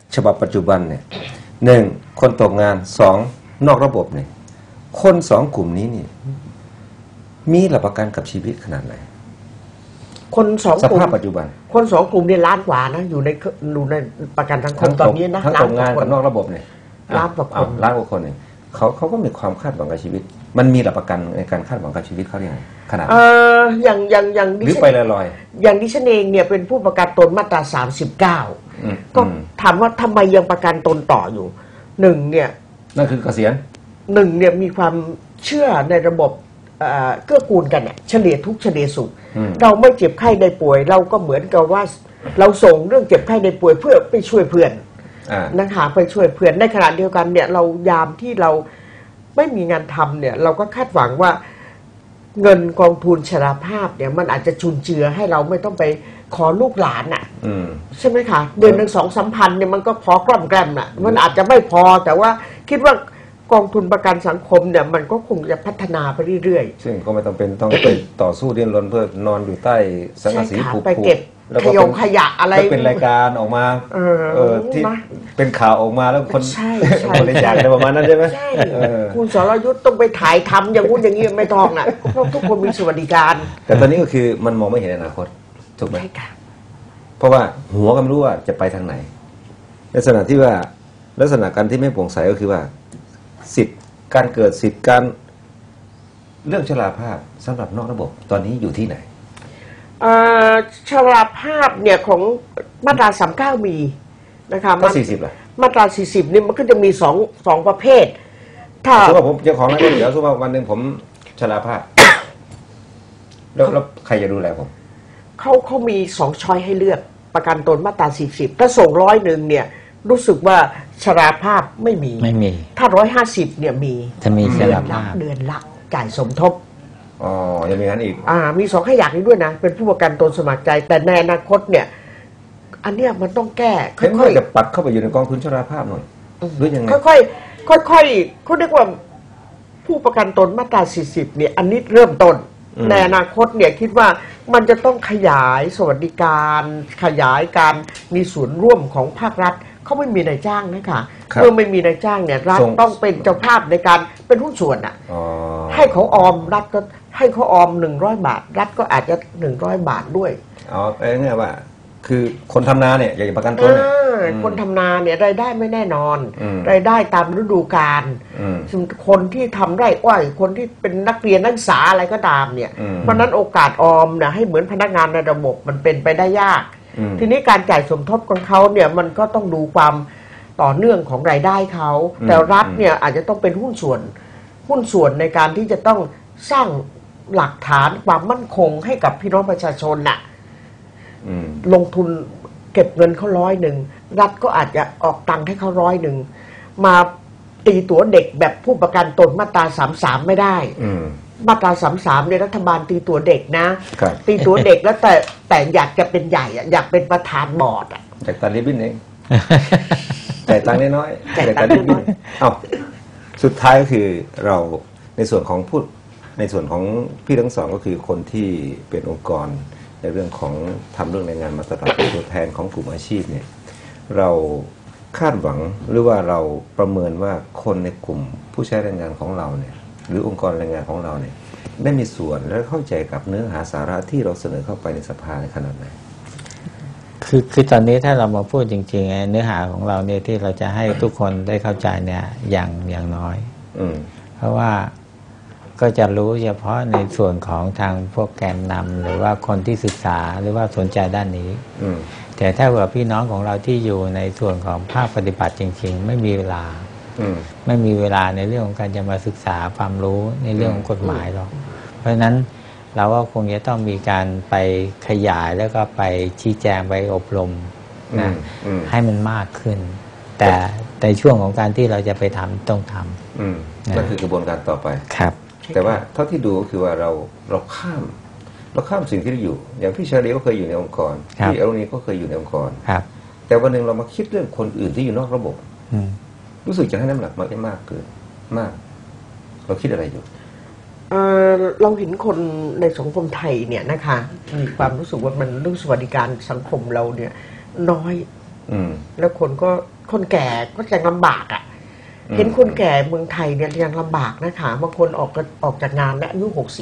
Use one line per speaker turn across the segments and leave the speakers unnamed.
ฉบับปัจจุบันเนี่ยหนึ่งคนตกงานสองนอกระบบเนี่ยคนสองกลุ่มนี้นี่มีหลักประกันกับชีวิตขนาดไหน
คนสอง
ส
กลุ่ม
ภาพปัจจุบัน
คนสองกลุ่มเนี่ยล้านกว่านะอยู่ในประกันสังคมตอนนี้นะ
ทั้งตกงานกับนอกระบบเนี่ย
ล้านกว่าคน
ล้านกว่าคนเนี่ยเขาก็มีความคาดหวังกับชีวิตมันมีหลักประกันในการคาดหวังกับชีวิตเขาอย่างไรขนาด
อย่าง
หรือไปลอย
ๆอย่างดิฉันเองเนี่ยเป็นผู้ประกันตนมาตรา39ก็ถามว่าทำไมยังประกันตนต่ออยู่หนึ่งเนี่ย
นั่นคือเกษียณ
หนึ่งเนี่ยมีความเชื่อในระบบเกื้อกูลกันเนี่ยเฉลี่ยทุกเฉลี่ยสุขเราไม่เจ็บไข้ได้ป่วยเราก็เหมือนกับว่าเราส่งเรื่องเจ็บไข้ได้ป่วยเพื่อไปช่วยเพื่อนนะคะไปช่วยเพื่อนในขณะเดียวกันเนี่ยเรายามที่เราไม่มีงานทำเนี่ยเราก็คาดหวังว่าเงินกองทุนชราภาพเนี่ยมันอาจจะจุนเจือให้เราไม่ต้องไปขอลูกหลานอ่ะใช่ไหมคะเดือนหนึ่ง2-3 พันเนี่ยมันก็พอกล่อมแกล้มน่ะมันอาจจะไม่พอแต่ว่าคิดว่ากองทุนประกันสังคมเนี่ยมันก็คงจะพัฒนาไปเรื่อย
ๆซึ่งก็ไม่ต้องเป็นต้องไปต่อสู้ดิ้นรนเพื่อนอนอยู่ใต้สังกะสีผูก
ไปเก็บขยะอะไร
เป็นรายการออกมาที่เป็นข่าวออกมาแล้วคนบริจาคอะไรประมาณนั้นใช่ไหม
ใช่คุณสรยุทธ์ต้องไปถ่ายทำอย่างงู้นอย่างนี้ไม่ต้องน่ะเพราะทุกคนมีสวัสดิการ
แต่ตอนนี้ก็คือมันมองไม่เห็นอนาคตถูกไหมเพราะว่าหัวก็ไม่รู้ว่าจะไปทางไหนลักษณะที่ว่าลักษณะการที่ไม่โปร่งใสก็คือว่าสิทธิ์การเกิดสิทธิ์การเรื่องชราภาพสำหรับนอกระบบตอนนี้อยู่ที่ไหน
ชราภาพเนี่ยของมาตรา39มีนะคะ
ก็40ล่ะ
มาตรา40นี่มันก็จะมีสองประเภทถ้า
สมมติว่าผมเจ้าของร้านก๋วยเตี๋ยวสมมติว่าวันหนึ่งผมชราภาพแล้วใครจะดูแลผม
เขามี2ช้อยให้เลือกประกันตนมาตรา40ถ้าส่ง100เนี่ยรู้สึกว่าชราภาพไม่มีถ้า150เนี่ยมี
จะมีชราภาพ
เดือนละจ่ายสมทบ
อ๋อยังมีงั้นอีก
มี2ขยักนี้ด้วยนะเป็นผู้ประกันตนสมัครใจแต่ในอนาคตเนี่ยอันเนี้ยมันต้องแก้
ค่อยๆจะปัดเข้าไปอยู่ในกองทุนชราภาพหน่อยหรือยังไง
ค่อยๆเขาเรียกว่าผู้ประกันตนมาตรา40เนี่ยอันนี้เริ่มต้นในอนาคตเนี่ยคิดว่ามันจะต้องขยายสวัสดิการขยายการมีส่วนร่วมของภาครัฐเขาไม่มีนายจ้างนะคะเมื่อไม่มีนายจ้างเนี่ยรัฐต้องเป็นเจ้าภาพในการเป็นหุ้นส่วนอ่ะให้เขาออมรัฐก็ให้เขาออม100 บาทรัฐก็อาจจะ100 บาทด้วย
เนี่ยว่าคือคนทำนาเนี่ยอยากจะประกันตนเนี่ย
คนทำนาเนี่ยรายได้ไม่แน่นอนรายได้ตามฤดูกาลคนที่ทำไร่อ้อยคนที่เป็นนักเรียนนักศึกษาอะไรก็ตามเนี่ยเพราะนั้นโอกาสออมเนี่ยให้เหมือนพนักงานในระบบมันเป็นไปได้ยากทีนี้การจ่ายสมทบของเขาเนี่ยมันก็ต้องดูความต่อเนื่องของรายได้เขาแต่รัฐเนี่ยอาจจะต้องเป็นหุ้นส่วนในการที่จะต้องสร้างหลักฐานความมั่นคงให้กับพี่น้องประชาชนน่ะลงทุนเก็บเงินเขา100รัฐก็อาจจะออกตังค์ให้เขา100มาตีตั๋วเด็กแบบผู้ประกันตนมาตรา33ไม่ได้มาตรา33เนี่ยรัฐบาลตีตั๋วเด็กนะตีตั๋วเด็กแล้วแต่อยากจะเป็นใหญ่อยากเป็นประธานบอร์ด
จากตัดริบบิ้นเองแต่ตังค์น้อยๆแต่ตัดริบบิ้นสุดท้ายก็คือเราในส่วนของพี่ทั้งสองก็คือคนที่เป็นองค์กรในเรื่องของทำเรื่องแรงงานมาตรฐานเป็นตัวแทนของกลุ่มอาชีพเนี่ยเราคาดหวังหรือว่าเราประเมินว่าคนในกลุ่มผู้ใช้แรงงานของเราเนี่ยหรือองค์กรแรงงานของเราเนี่ยได้มีส่วนและเข้าใจกับเนื้อหาสาระที่เราเสนอเข้าไปในสภาในขนาดไหน
คือตอนนี้ถ้าเรามาพูดจริงๆเนื้อหาของเราเนี่ยที่เราจะให้ทุกคนได้เข้าใจเนี่ยอย่างน้อยเพราะว่าก็จะรู้เฉพาะในส่วนของทางพวกแกนนำหรือว่าคนที่ศึกษาหรือว่าสนใจด้านนี้แต่ถ้าว่าพี่น้องของเราที่อยู่ในส่วนของภาคปฏิบัติจริงๆไม่มีเวลาในเรื่องของการจะมาศึกษาความรู้ในเรื่องของกฎหมายหรอกเพราะฉะนั้นเราก็คงจะต้องมีการไปขยายแล้วก็ไปชี้แจงไปอบรมนะให้มันมากขึ้นแต่ในช่วงของการที่เราจะไปทำต้องทำ
นั่นคือกระบวนการต่อไป
ครับ
แต่ว่าเท่าที่ดูก็คือว่าเราข้ามสิ่งที่เราอยู่อย่างพี่ชาลีก็เคยอยู่ในองค์กรพี่อรุณีก็เคยอยู่ในองค์กรแต่วันหนึ่งเรามาคิดเรื่องคนอื่นที่อยู่นอกระบบรู้สึกจะให้น้ำหนักมากเกินมากเราคิดอะไรอยู่
เราเห็นคนในสังคมไทยเนี่ยนะคะมีความรู้สึกว่ามันเรื่องสวัสดิการสังคมเราเนี่ยน้อยแล้วคนแก่ก็จะลำบากอ่ะเห็นคนแก่เมืองไทยเนี่ยยังลำบากนะคะบางคนออกจากงานและอายุ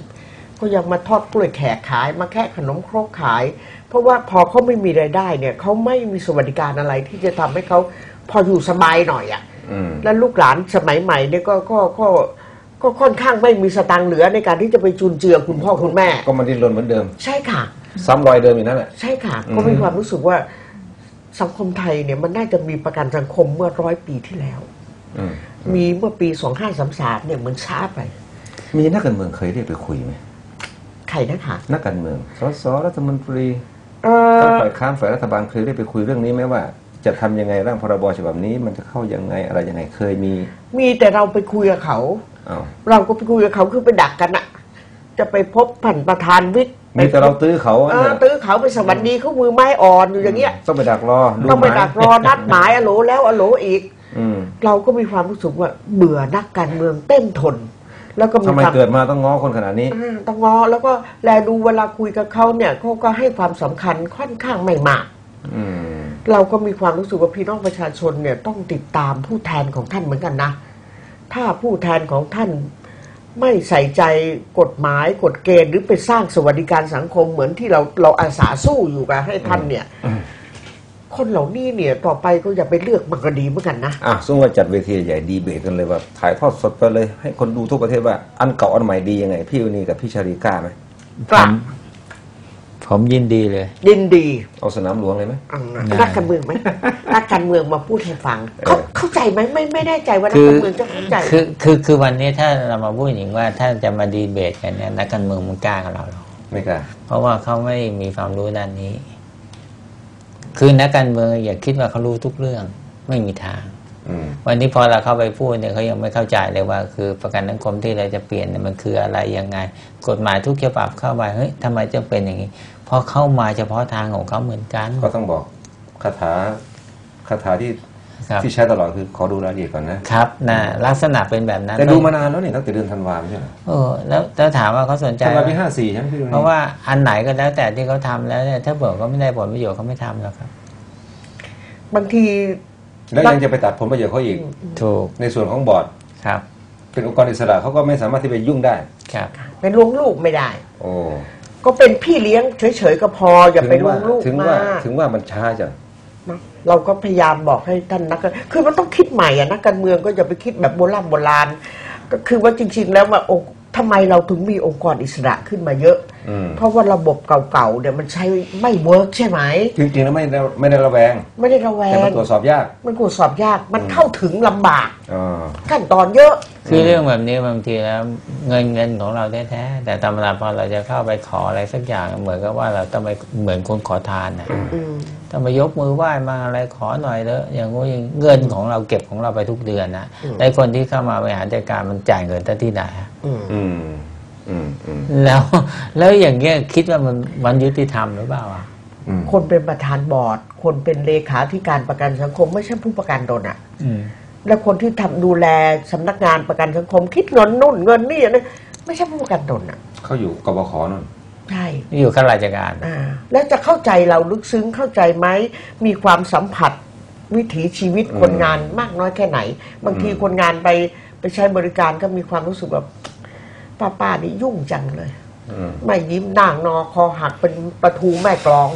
60ก็ยังมาทอดกล้วยแขกขายมาแค่ขนมครกขาย เพราะว่าพอเขาไม่มีรายได้เนี่ยเขาไม่มีสวัสดิการอะไรที่จะทำให้เขาพออยู่สบายหน่อยอ่ะแล้วลูกหลานสมัยใหม่เนี่ยก็ค่อนข้างไม่มีสตังค์เหลือในการที่จะไปจุนเจือคุณพ่อคุณแม่
ก็มันดิ้นรนเหมือนเดิม
ใช่ค่ะ
ซ้ำรอยเดิมอีกนั่นแหละ
ใช่ค่ะก็มีความรู้สึกว่าสังคมไทยเนี่ยมันน่าจะมีประกันสังคมเมื่อ100 ปีที่แล้วมีเมื่อปี2533เนี่ยเหมือนช้าไป
มีนักการเมืองเคยเรียกไปคุยไหม
ใครนะคะ
นักการเมืองสสรัฐมนตรีทั้งฝ่ายค้านฝ่ายรัฐบาลเคยได้ไปคุยเรื่องนี้ไหมว่าจะทำยังไงร่างพรบฉบับนี้มันจะเข้ายังไงอะไรยังไงเคย
มีแต่เราไปคุยกับเขาเราก็ไปคุยกับเขาคือไปดักกันอะจะไปพบผ่านประธานวิทย์
มีแต่เราตื้อเขา
ตื้อเขาไปสวัสดีเขามือไม้อ่อนอยู่อย่างเงี้ย
ต้องไปดักรอ
ต้องไปดักรอนัดหมายอโหลแล้วอโหลอีกเราก็มีความรู้สึกว่าเบื่อนักการเมืองเต้นทนแล้วก็
ทำไมเกิดมาต้องง้อคนขนาดนี้
ต้องง้อแล้วก็แลดูเวลาคุยกับเขาเนี่ยเขาก็ให้ความสำคัญค่อนข้างไม่มากเราก็มีความรู้สึกว่าพี่น้องประชาชนเนี่ยต้องติดตามผู้แทนของท่านเหมือนกันนะถ้าผู้แทนของท่านไม่ใส่ใจกฎหมายกฎเกณฑ์หรือไปสร้างสวัสดิการสังคมเหมือนที่เราอาสาสู้อยู่กับให้ท่านเนี่ยคนเหล่านี้เนี่ยต่อไปก็อย่าไปเลือกมันก็ดีเหมือนกันนะ
สมมติว่าจัดเวทีใหญ่ดีเบตกันเลยว่าถ่ายทอดสดไปเลยให้คนดูทั่วประเทศว่าอันเก่าอันใหม่ดียังไงพี่วณีกับพี่ชาลีกล้าไหม
กล้า
ผมยินดีเลย
ยินดี
เอาสนามหลวงเลยไหม
นักการเมืองไหมนักการเมืองมาพูดให้ฟังเข้าใจไหมไม่แน่ใจว่านักการเมืองจะเข้าใจ
คือวันนี้ถ้าเรามาพูดอย่างว่าถ้าจะมาดีเบตกันเนี่ยนักการเมืองมันกล้ากับเราหรอ
ไม่กล้า
เพราะว่าเขาไม่มีความรู้ด้านนี้คือนักการเมืองอย่าคิดว่าเขารู้ทุกเรื่องไม่มีทางวันนี้พอเราเข้าไปพูดเนี่ยเขายังไม่เข้าใจเลยว่าคือประกันสังคมที่เราจะเปลี่ยนเนี่ยมันคืออะไรยังไงกฎหมายทุกฉบับเข้าไปเฮ้ยทำไมจะเป็นอย่างนี้เพราะเข้ามาเฉพาะทางของเขาเหมือนกัน
ก็ต้องบอกคาถาที่ใช้ตลอดคือขอดูรายละเอียดก่อน
นะครับลักษณะเป็นแบบนั้น
แต่ดูมานานแล้วเนี่ยตั้งแต่เดือนธันวาคมใช่ไหม
แล้วถามว่าเขาสนใจ
ธันวาคมปี54ใช่ไหมพี่ดู
เพราะว่าอันไหนก็แล้วแต่ที่เขาทำแล้วเนี่ยถ้าเบิกก็ไม่ได้ผลประโยชน์เขาไม่ทำแล้วครับ
บางที
แล้วยังจะไปตัดผลประโยชน์เขาอีก
ถูก
ในส่วนของบอร์ด
ครับ
เป็นองค์กรอิสระเขาก็ไม่สามารถที่ไปยุ่งได้
ครับ
เป็นล้วงลูกไม่ได้
โอ้
ก็เป็นพี่เลี้ยงเฉยๆก็พออย่าไปล้วงลูก
ถึงว่ามันช้าจัง
เราก็พยายามบอกให้ท่านคือมันต้องคิดใหม่นักการเมืองก็อย่าไปคิดแบบโบราณก็คือว่าจริงๆแล้วว่าทำไมเราถึงมีองค์กรอิสระขึ้นมาเยอะเพราะว่าระบบเก่าๆเนี่ยมันใช้ไม่เวิร์กใช่ไหม
จริงๆแล้วไม่ได้ระแวงแต่มันตรวจสอบยาก
มันตรวจสอบยากมันเข้าถึงลำบากขั้นตอนเยอะ
คือเรื่องแบบนี้บางทีแล้วเงินของเราแท้ๆแต่ธรรมดาพอเราจะเข้าไปขออะไรสักอย่างเหมือนกับว่าเราต้องไปเหมือนคนขอทานนะต้องไปยกมือไหว้มาอะไรขอหน่อยเถอะอย่างงี้เงินของเราเก็บของเราไปทุกเดือนนะไอ้คนที่เข้ามาบริหารจัดการมันจ่ายเงินที่ไหนแล้วอย่างเงี้ยคิดว่ามันยุติธรรมหรือเปล่า
คนเป็นประธานบอร์ดคนเป็นเลขาธิการประกันสังคมไม่ใช่ผู้ประกันตนอ่ะแล้วคนที่ทำดูแลสำนักงานประกันสังคมคิดเงินนู่นเงินนี่นะไม่ใช่ผู้ประกันตนอ่ะ
เขาอยู่กบข.นั่น
ใช่
อยู่ข้าราชการ
แล้วจะเข้าใจเราลึกซึ้งเข้าใจไหมมีความสัมผัสวิถีชีวิตคนงานมากน้อยแค่ไหนบางทีคนงานไปใช้บริการก็มีความรู้สึกแบบป้านี่ยุ่งจังเลยไม่ยิ้มด่างนอคอหักเป็นประตูแม่กลอง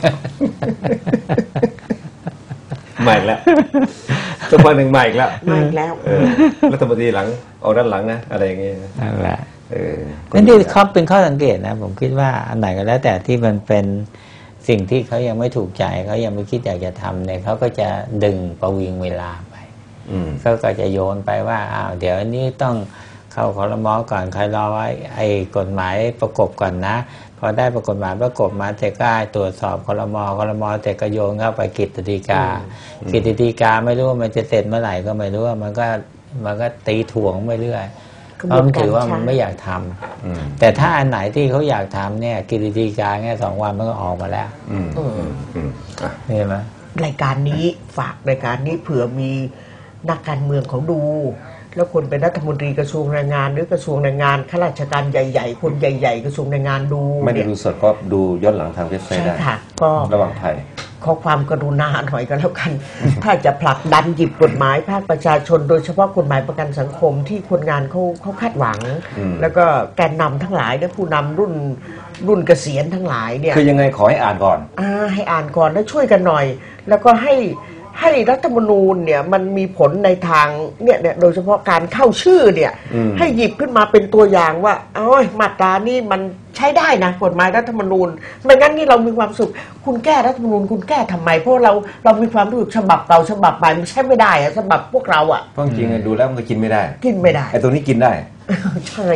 ใหม่แล้วตัวคนหนึ่งใหม่แล้วรัฐมนตรีหลังเอาด้านหลังนะอะไรอย่างเงี้ย
นั่นแหละนั่นที่เขาเป็นข้อสังเกตนะผมคิดว่าอันไหนก็แล้วแต่ที่มันเป็นสิ่งที่เขายังไม่ถูกใจเขายังไม่คิดอยากจะทำเนี่ยเขาก็จะดึงประวิงเวลาไปเขาก็จะโยนไปว่าอ้าวเดี๋ยวนี้ต้องเข้าครม.ก่อนใครรอไว้ไอ้กฎหมายประกบก่อนนะพอได้กฎหมายประกบมาแต่ก็ตรวจสอบครม.แต่ก็โยนเข้าไปกฤษฎีกไม่รู้ว่ามันจะเสร็จเมื่อไหร่ก็ไม่รู้ว่ามันก็ตีถ่วงไปเรื่อยเพราะมันถือว่ามันไม่อยากทำแต่ถ้าอันไหนที่เขาอยากทำเนี่ยกฤษฎีกาแค่2 วันมันก็ออกมาแล้วเห็นไหม
รายการนี้ฝากรายการนี้เผื่อมีนักการเมืองเขาดูแล้วคนเป็นรัฐมนตรีกระทรวงแรงงานหรือกระทรวงแรงงานข้าราชการใหญ่ๆคนใหญ่ๆกระทรวงแรงงานดู
ไม่ได้ดูสดก็ดูย้อนหลังทางเว็บไซต์ได้
ก็
ระหว่างไทย
ขอความกรุณาหน่อยก็แล้วกัน ถ้าจะผลักดันหยิบกฎหมายภาคประชาชน โดยเฉพาะกฎหมายประกันสังคมที่คนงานเขาคาดหวัง แล้วก็แกนนำทั้งหลายและผู้นำรุ่นเกษียณทั้งหลายเนี่ย
คือยังไงขอให้อ่านก่อน
ให้อ่านก่อนแล้วช่วยกันหน่อย แล้วก็ให้รัฐธรรมนูญเนี่ยมันมีผลในทางเนี่ยโดยเฉพาะการเข้าชื่อเนี่ยให้หยิบขึ้นมาเป็นตัวอย่างว่ามาตรานี่มันใช้ได้นะกฎหมายรัฐธรรมนูญไม่งั้นนี่เรามีความสุขคุณแก้รัฐธรรมนูญคุณแก้ทำไมเพราะเรามีความรู้สึกฉบับเก่าฉบับใหม่มันใช้ไม่ได้อะฉบับพวกเราอะ
เพราะจริงๆดูแล้วมันก็กินไม่ได้ไอ้ตัวนี้กินได้
ใช่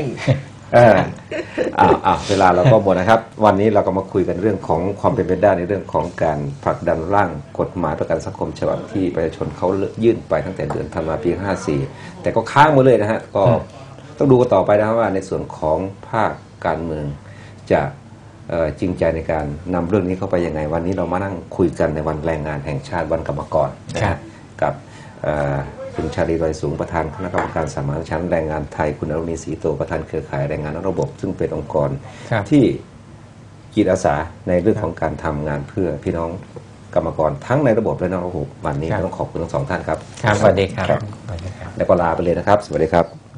เวลาเราก็หมดนะครับวันนี้เราก็มาคุยกันเรื่องของความเป็นไปได้ในเรื่องของการผลักดันร่างกฎหมายประกันสังคมฉบับที่ประชาชนเขายื่นไปตั้งแต่เดือนธันวาคมปี54แต่ก็ค้างมาเลยนะฮะก็ต้องดูกันต่อไปนะครับว่าในส่วนของภาคการเมืองจะจริงใจในการนำเรื่องนี้เข้าไปยังไงวันนี้เรามานั่งคุยกันในวันแรงงานแห่งชาติวันกรรมกรนะฮะกับคุณชาลี ลอยสูงประธานคณะกรรมการสมานฉันท์แรงงานไทยคุณอรุณีศรีโตประธานเครือข่ายแรงงานนอกระบบซึ่งเป็นองค์กรที่จิตอาสาในเรื่องของการทำงานเพื่อพี่น้องกรรมกรทั้งในระบบและนอกระบบวันนี้ต้องขอบคุณทั้งสองท่านครับ
สวัสดีครับ
แล้วก็ลาไปเลยนะครับสวัสดีครับ